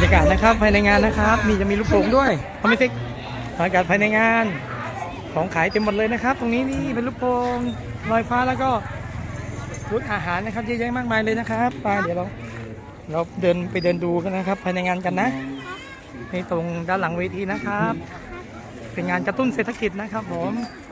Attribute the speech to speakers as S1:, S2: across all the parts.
S1: ากาศนะครับภายในงานนะครับมีจะมีลูกโป่งด้วยคอมมิสิกบรรยากาศภายในงานของขายเต็มหมดเลยนะครับตรงนี้นี่เป็นลูกโป่งลอยฟ้าแล้วก็บูธอาหารนะครับเยอะแยะมากมายเลยนะครับไปเดี๋ยวเราเดินดูกันนะครับภายในงานกันนะในตรงด้านหลังเวทีนะครับเป็นงานกระตุ้นเศรษฐกิจนะครับผม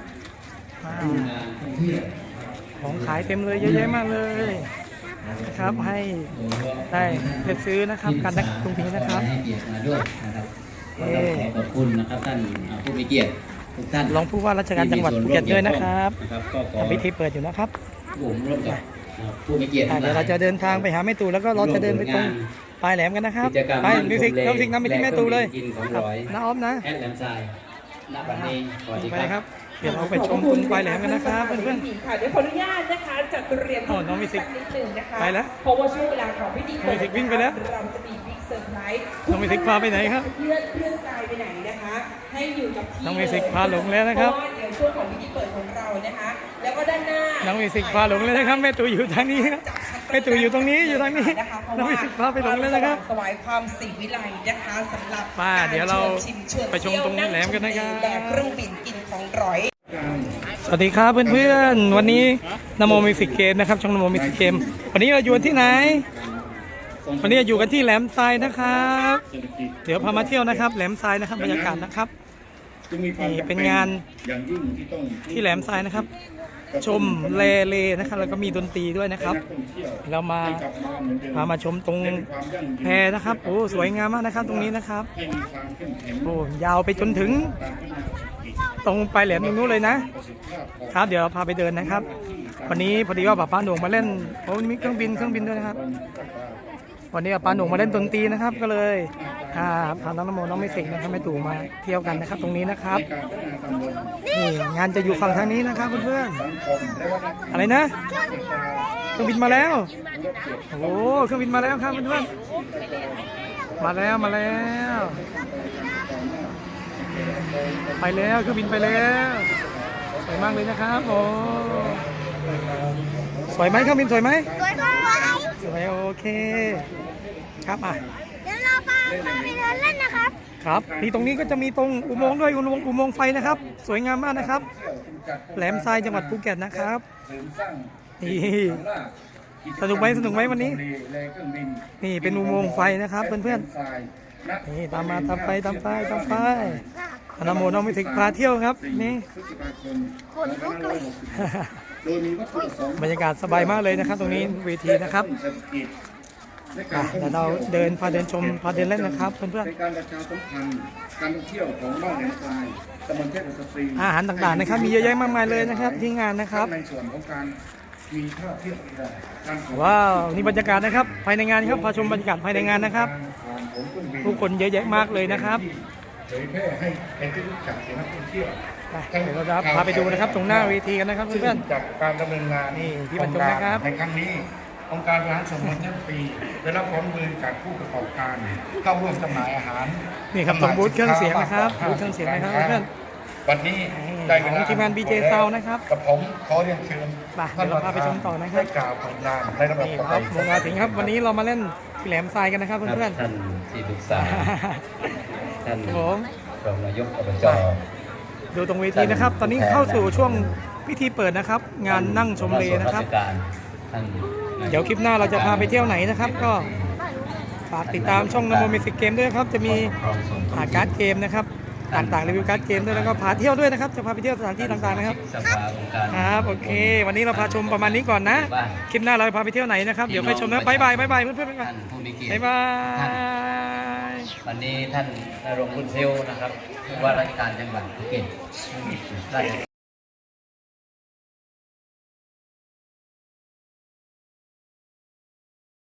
S1: ของขายเต็มเลยเยอะแยะมากเลยนะครับให้ได้เลือกซื้อนะครับกันตรงนี้นะครับ
S2: ให้เกียรติมาด้วยนะครับขอบคุณนะครับท่านผู้มีเกียรติทุกท่าน
S1: รองผู้ว่าราชการจังหวัดภูเก็ตด้วยนะครับพิธีเปิดอยู่นะครับ
S2: ผมร่วมกับผู้มีเกียรติ
S1: เดี๋ยวเราจะเดินทางไปหาแม่ตู่แล้วก็เราจะเดินไปตรงปลายแหลมกันนะครับไปมิวสิกน้ำไปที่แม่ตู่เลยน้าออฟนะ
S2: แอดแหลมทรายณบัดนี้สวัสดีครับ
S1: เดี๋ยวเราไปชมตรงปลายแหลมกันนะครับเพื่อน
S3: ๆค่ะเดี๋ยวขออนุญาตนะคะจัดเตรียม
S1: น้องมิวสิก
S3: นิดนึงนะคะ
S1: ไปแล้ว
S3: เพราะว่าช่วงเวลาของพิธีเปิด
S1: มิวสิกวิ่งไปแล้ว
S3: เราจะมีบิ๊กเซอร์ไพรส์
S1: น้องมิวสิกพาไปไหนครับ
S3: เพื่อนกายไปไหนนะคะให้อยู่กับที่
S1: น้องมิวสิกพาหลงแล้วนะครับ
S3: เพราะว่าเดี๋ยวช่วงของพิธีเปิดของเรานะคะแล้วก็ด้านหน้า
S1: น้องมิวสิกพาหลงเลยนะครับแม่ตู่อยู่ทางนี้ครับแม่ตู่อยู่ตรงนี้อยู่ทางนี้น้องมิวสิกพาไปหลงแล้วนะครับ
S3: สวายความศิวิไลนะคะสำหรับ
S1: เดี๋ยวเราไปชมตรงแหลมกันนะครับ
S3: แดกเครื่องบินกินของร้อย
S1: สวัสดีครับเพื่อนๆวันนี้นโมมิวสิกเกมนะครับช่องนโมมิวสิกเกมวันนี้เราอยู่ที่ไหนวันนี้อยู่กันที่แหลมทรายนะครับเดี๋ยวพามาเที่ยวนะครับแหลมทรายนะครับบรรยากาศนะครับนี่เป็นงานที่แหลมทรายนะครับชมเลนะครับแล้วก็มีดนตรีด้วยนะครับเรามาชมตรงแพนะครับโอ้สวยงามมากนะครับตรงนี้นะครับโอ้ยาวไปจนถึงตรงไปแหลมตรงนู้นเลยนะครับเดี๋ยวเราพาไปเดินนะครับวันนี้พอดีว่าป้าหนุ่มมาเล่นโอ้มีเครื่องบินด้วยนะครับวันนี้ป้าหนุ่มมาเล่นดนตรีนะครับก็เลยพาน้องนโมน้องมิวสิกนะครับแม่ตู่มาเที่ยวกันนะครับตรงนี้นะครับนี่งานจะอยู่ฝั่งทางนี้นะครับเพื่อนๆอะไรนะเครื่องบินมาแล้วโอ้เครื่องบินมาแล้วครับเพื่อนๆมาแล้วไปแล้วเครื่องบินไปแล้วสวยมากเลยนะครับโอ้สวยไหมเครื่องบินสวยไหมสวยโอเคครับ
S4: เดี๋ยวเราพาไปเดินเล่นนะครับ
S1: ครับที่ตรงนี้ก็จะมีตรงอุโมงค์ด้วยอุโมงค์ไฟนะครับสวยงามมากนะครับแหลมทรายจังหวัดภูเก็ตนะครับนี่สนุกไหมวันนี้นี่เป็นอุโมงค์ไฟนะครับเพื่อนๆนี่ตามไปนโมน้องมิวสิกพาเที่ยวครับนี่บรรยากาศสบายมากเลยนะครับตรงนี้เวทีนะครับเดี๋ยวเราพาเดินชมพาเดินเล่นนะครับเพื่อนๆ
S5: การประชาสัมพันธ์การท่องเที่ยวของบ้านแหลมทรายตำบลเทพสตรี
S1: อาหารต่างๆนะครับมีเยอะแยะมากมายเลยนะครับที่งานนะครับ
S5: ในส่วนของการมีท่าเที่ยว
S1: ว้าวนี่บรรยากาศนะครับภายในงานครับพาชมบรรยากาศภายในงานนะครับผู้คนเยอะแยะมากเลยนะครับ
S5: เผยแพร่ให้เป็นที่รู้จักของนักท่องเที่ยว
S1: เดี๋ยวเราพาไปดูนะครับตรงหน้าเวทีกันนะครับเพื่อน
S5: ๆจากการดำเนินงาน
S1: นี่ที่บรรจงนะครับ
S5: ในครั้งนี้องค์การบริหารส่วนตำบลเทพปีได้รับความร่วมมือจากผู้ประกอบการเข้าร่วมจำหน่ายอาหาร
S1: นี่ครับตรงบูธเครื่องเสียงนะครับบูธเครื่องเสียงนะครับเพื่อน
S5: วันนี้ได้
S1: ของทีมงาน BJ Sound นะครับ
S5: กับผมขอเรียนเชิญ
S1: เดี๋ยวเราพาไปชมต่อนะครับ
S5: กล่าวผลงานในระบบ
S1: ครับวงอาสิงห์ครับวันนี้เรามาเล่นที่แหลมทรายกันนะครับเพื่อน
S2: ๆท่านที่ปรึกษาท่านรองนายกอบจ
S1: ดูตรงเวทีนะครับตอนนี้เข้าสู่ช่วงพิธีเปิดนะครับงานนั่งชมเลนะครับเดี๋ยวคลิปหน้าเราจะพาไปเที่ยวไหนนะครับก็ฝากติดตามช่องนโมมิวสิกเกมด้วยครับจะมีการ์ดเกมนะครับต่างๆรีวิวการ์ดเกมด้วยแล้วก็พาเที่ยวด้วยนะครับจะพาไปเที่ยวสถานที่ต่างๆนะครับครับโอเควันนี้เราพาชมประมาณนี้ก่อนนะคลิปหน้าเราพาไปเที่ยวไหนนะครับเดี๋ยวไปชมนะบ๊ายบายเพื่อนๆบ๊ายบาย
S2: วันนี้ท่านนรงค์บุญเซลนะครับผู้ว่าราชการจังหวัดภูเก็ตราช